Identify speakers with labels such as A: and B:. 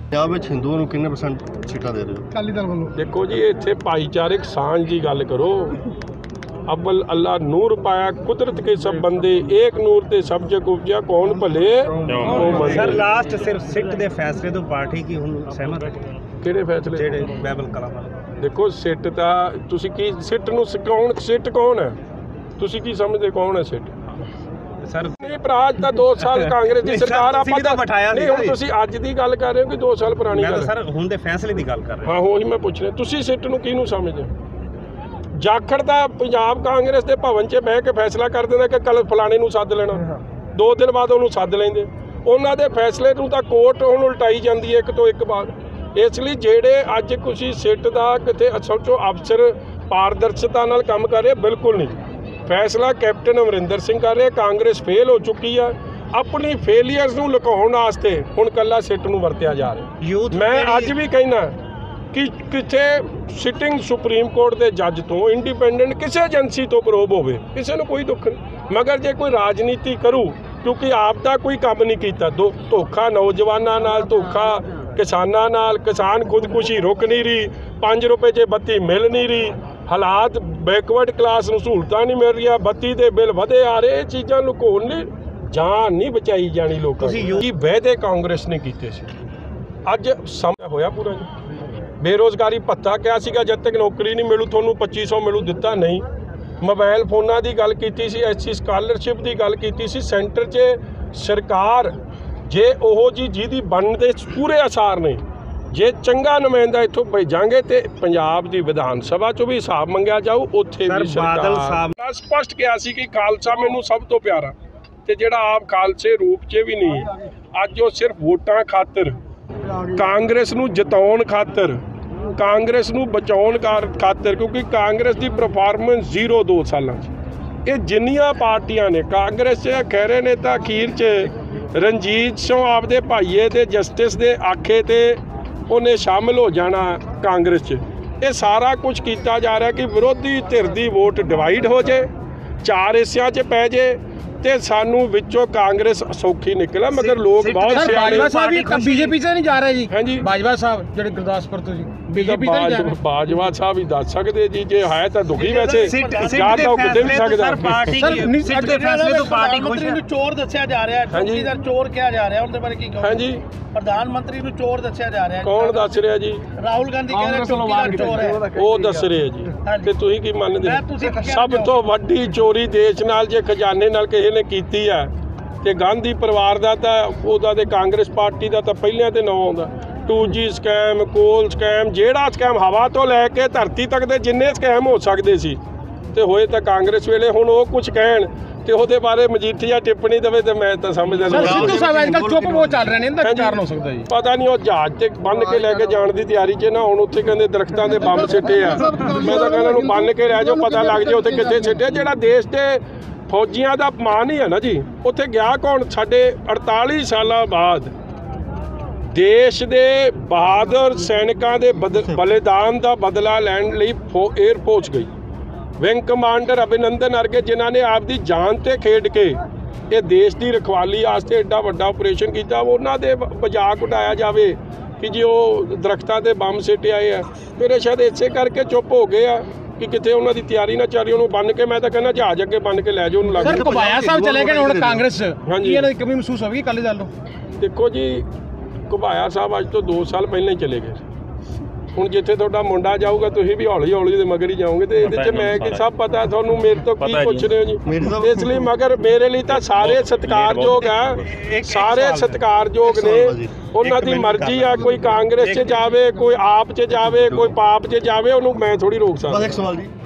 A: ਪੰਜਾਬ ਵਿੱਚ ਹਿੰਦੂਆਂ ਨੂੰ ਕਿੰਨੇ % ਸੀਟਾਂ ਦੇ ਰਹੇ ਹੋ?
B: ਅਕਾਲੀ ਦਲ ਵੱਲੋਂ
C: देखो जी इत्थे भाईचारक सांझ की गल करो। अव्वल अल्लाह नूर पाया कुदरत के सब बंदे एक नूर ते सब जग उपजा कौन भले
D: सर लास्ट सिर्फ सिट दे फैसले तो पार्टी की हुण सहमत है
C: किहड़े फैसले
D: जेड़े बाइबल कला
C: देखो सिट दा तुसी की सिट नूं सिकाउण सिट कौन है तुसी की समझदे कौन है सिट
D: सर
C: मेरे भरा अज तां 2 साल कांग्रेस की सरकार आपां तां
D: बिठाया
C: नहीं हुण तुसी अज दी गल कर रहे हो कि 2 साल पुरानी गल
D: सर हुण दे फैसले दी गल कर रहे
C: हाँ ਉਹੀ मैं पुछ रहा तुसी सिट नूं किहनूं समझदे जाखड़ ਦਾ ਪੰਜਾਬ ਕਾਂਗਰਸ ਦੇ ਭਵਨ 'ਚ ਬਹਿ ਕੇ ਫੈਸਲਾ ਕਰ ਦਿੰਦਾ ਕਿ ਕੱਲ ਫਲਾਣੇ ਨੂੰ ਸੱਦ ਲੈਣਾ 2 ਦਿਨ ਬਾਅਦ ਉਹਨੂੰ ਸੱਦ ਲੈਂਦੇ ਉਹਨਾਂ ਦੇ ਫੈਸਲੇ ਨੂੰ ਤਾਂ ਕੋਰਟ ਹੁਣ ਉਲਟਾਈ ਜਾਂਦੀ ਹੈ ਇੱਕ ਤੋਂ ਇੱਕ ਬਾਅਦ ਇਸ ਲਈ ਜਿਹੜੇ ਅੱਜ ਤੁਸੀਂ ਸਿੱਟ ਦਾ ਕਿਤੇ ਸੋਚੋ ਅਫਸਰ ਪਾਰਦਰਸ਼ਤਾ ਨਾਲ ਕੰਮ ਕਰ ਰਹੇ ਬਿਲਕੁਲ ਨਹੀਂ ਫੈਸਲਾ ਕੈਪਟਨ ਅਮਰਿੰਦਰ ਸਿੰਘ ਕਰ ਰਹੇ ਕਾਂਗਰਸ ਫੇਲ ਹੋ ਚੁੱਕੀ ਆ ਆਪਣੀ ਫੇਲੀਅਰਸ ਨੂੰ ਲੁਕਾਉਣ ਵਾਸਤੇ ਹੁਣ ਕੱਲਾ ਸਿੱਟ ਨੂੰ ਵਰਤਿਆ ਜਾ ਰਿਹਾ ਮੈਂ ਅੱਜ ਵੀ ਕਹਿਣਾ कि किसी सिटिंग सुप्रीम कोर्ट के जज तो इंडिपेंडेंट किसी एजेंसी तो प्रोब हो किसी को कोई दुख नहीं मगर जो कोई राजनीति करूँ क्योंकि आप दा कोई काम नहीं किया धोखा नौजवानों नाल धोखा किसानों नाल किसान खुदकुशी रुक नहीं रही 5 रुपए च बत्ती मिल नहीं रही हालात बैकवर्ड क्लास नूं सहूलतां नहीं मिल रही बत्ती के बिल वधे आ रहे ये चीज़ां लुकाउण लई जान नहीं बचाई जानी लोगों की वायदे कांग्रेस ने किए अज समय होया पूरा जी बेरोज़गारी भत्ता क्या सीगा जब तक नौकरी नहीं मिलू थोनू 2500 मिलू दिता नहीं मोबाइल फोनां की गल कीती सी SC स्कॉलरशिप की गल कीती सी सेंटर 'च सरकार जे ओहो जी जिहदी बनदे पूरे आसार ने जे चंगा नुमाइंदा इत्थों भेजांगे तो पंजाब की विधान सभा चों भी हिसाब मंगिया जाऊ उत्थे भी सरकार स्पष्ट किया सी कि खालसा मैनूं सब तो प्यारा ते जिहड़ा आप खालसे रूप 'च भी नहीं अज वो सिर्फ वोटां खातर कांग्रेस नूं जिताउण खातर कांग्रेस नूं बचाउण खातर क्योंकि कांग्रेस की परफॉर्मेंस 0 2 साल ये जिन्नियां पार्टियां ने कांग्रेस च खैरे ने तो अखीर च रणजीत सिंह आपदे भाईए ते जस्टिस दे आखे ते उन्हें शामिल हो जाना कांग्रेस च ये सारा कुछ किया जा रहा है कि विरोधी धिर दी वोट डिवाइड हो जाए 4 हिस्सियां च पै जाए ते सानू विचों कांग्रेस सौखी निकला मगर लोग बहुत
B: बाजवा साहब बीजेपी से नहीं जा रहे जी
C: हाँ जी
B: बाजवा साहब जो गुरदासपुर तो जी बीजेपी से नहीं जा रहे
C: बाजवा साहब ही दस सकते जी जे है तो दुखी वैसे जा तो किते भी सकदा
D: पार्टी सिट दे फैसले तो पार्टी खुश है
E: चोर दस्या जा रहा है चौकीदार चोर किया जा रहा है उनके बारे की
C: हां जी
E: प्रधानमंत्री ਨੂੰ ਚੋਰ ਦੱਸਿਆ ਜਾ ਰਿਹਾ ਹੈ
C: कौन दस रहा जी
E: ਰਾਹੁਲ ਗਾਂਧੀ कह रहे चौकीदार चोर है
C: वो दस रहे जी ਤੇ ਤੁਸੀਂ ਕੀ ਮੰਨਦੇ ਸਭ ਤੋਂ ਵੱਡੀ ਚੋਰੀ ਦੇਸ਼ ਨਾਲ ਜੇ ਖਜ਼ਾਨੇ ਨਾਲ ਕਿਸੇ ਨੇ ਕੀਤੀ ਹੈ ਤੇ ਗਾਂਧੀ ਪਰਿਵਾਰ ਦਾ ਤਾਂ ਉਹਦਾ ਤੇ ਕਾਂਗਰਸ ਪਾਰਟੀ ਦਾ ਤਾਂ ਪਹਿਲਾਂ ਤੇ ਨਾਂ ਆਉਂਦਾ 2G ਸਕੈਮ ਕੋਲ ਸਕੈਮ ਜਿਹੜਾ ਸਕੈਮ ਹਵਾ ਤੋਂ ਲੈ ਕੇ ਧਰਤੀ ਤੱਕ ਦੇ ਜਿੰਨੇ ਸਕੈਮ ਹੋ ਸਕਦੇ ਸੀ ਤੇ ਹੋਏ ਤਾਂ ਕਾਂਗਰਸ ਵੇਲੇ ਹੁਣ ਉਹ ਕੁਝ ਕਹਿਣ ਤੇ ਉਹਦੇ ਬਾਰੇ ਮਜੀਠੀਆ ਟਿੱਪਣੀ ਦੇਵੇ ਤੇ ਮੈਂ ਤਾਂ ਸਮਝਦਾ ਨਹੀਂ
B: ਸਿੱਧੂ ਸਾਹਿਬ ਅੱਜਕੱਲ ਚੁੱਪ ਬਹੁਤ ਚੱਲ ਰਹੇ ਨੇ ਇਹਦਾ ਕੀ ਕਾਰਨ ਹੋ ਸਕਦਾ ਜੀ
C: ਪਤਾ ਨਹੀਂ ਉਹ ਜਹਾਜ਼ ਤੇ ਬੰਨ ਕੇ ਲੈ ਕੇ ਜਾਣ ਦੀ ਤਿਆਰੀ 'ਚ ਨਾ ਹੁਣ ਉੱਥੇ ਕਹਿੰਦੇ ਦਰਖਤਾਂ ਦੇ ਬੰਬ ਸਿੱਟੇ ਆ ਮੈਂ ਤਾਂ ਕਹਿੰਦਾ ਨੂੰ ਬੰਨ ਕੇ ਰਹਿ ਜਾਓ ਪਤਾ ਲੱਗ ਜਾਏ ਉੱਥੇ ਕਿੱਥੇ ਸਿੱਟੇ ਜਿਹੜਾ ਦੇਸ਼ ਤੇ ਫੌਜੀਆਂ ਦਾ ਅਪਮਾਨ ਹੀ ਹੈ ਨਾ ਜੀ ਉੱਥੇ ਗਿਆ ਕੌਣ ਸਾਡੇ 48 ਸਾਲਾਂ ਬਾਅਦ ਦੇਸ਼ ਦੇ ਬਹਾਦਰ ਸੈਨਿਕਾਂ ਦੇ ਬਲੀਦਾਨ ਦਾ ਬਦਲਾ ਲੈਣ ਲਈ 에ਅਰ ਫੋਰਸ ਗਈ विंग कमांडर अभिनंदन अर्गे जिन्हों ने आपकी जान से खेड के ये देश की रखवाली वास्ते एडा वड्डा ऑपरेशन किया उन्होंने मजाक उड़ाया जाए कि जी वो दरख्तों के बंब सिटे आए हैं मेरे शायद इसे करके चुप हो गए कि कितने उन्होंने तैयारी ना चल रही उन्होंने बन के मैं तो कहना जहाज अगे बन के लै जाओ
B: सर घुबाया साहब चले गए हुण कांग्रेस हाँ जी कमी महसूस होगी अकाली दल
C: देखो जी घुबाया साहब अज तो 2 साल पहले ही चले गए ਹੁਣ ਜਿੱਥੇ ਤੁਹਾਡਾ ਮੁੰਡਾ ਜਾਊਗਾ ਤੁਸੀਂ ਵੀ ਹੌਲੀ ਹੌਲੀ ਦੇ ਮਗਰ ਹੀ ਜਾਓਗੇ ਤੇ ਇਹਦੇ 'ਚ ਮੈਂ ਕਿ ਸਭ ਪਤਾ ਤੁਹਾਨੂੰ ਮੇਰੇ ਤੋਂ ਕੀ ਪੁੱਛ ਰਹੇ ਹੋ ਜੀ ਇਸ ਲਈ ਮਗਰ ਮੇਰੇ ਲਈ ਤਾਂ ਸਾਰੇ ਸਤਿਕਾਰਯੋਗ ਆ ਸਾਰੇ ਸਤਿਕਾਰਯੋਗ ਨੇ ਉਹਨਾਂ ਦੀ ਮਰਜ਼ੀ ਆ ਕੋਈ ਕਾਂਗਰਸ 'ਚ ਜਾਵੇ ਕੋਈ ਆਪ 'ਚ ਜਾਵੇ ਕੋਈ ਪਾਪ 'ਚ ਜਾਵੇ ਉਹਨੂੰ ਮੈਂ ਥੋੜੀ ਰੋਕ ਸਕਦਾ।
A: ਬਸ ਇੱਕ ਸਵਾਲ ਜੀ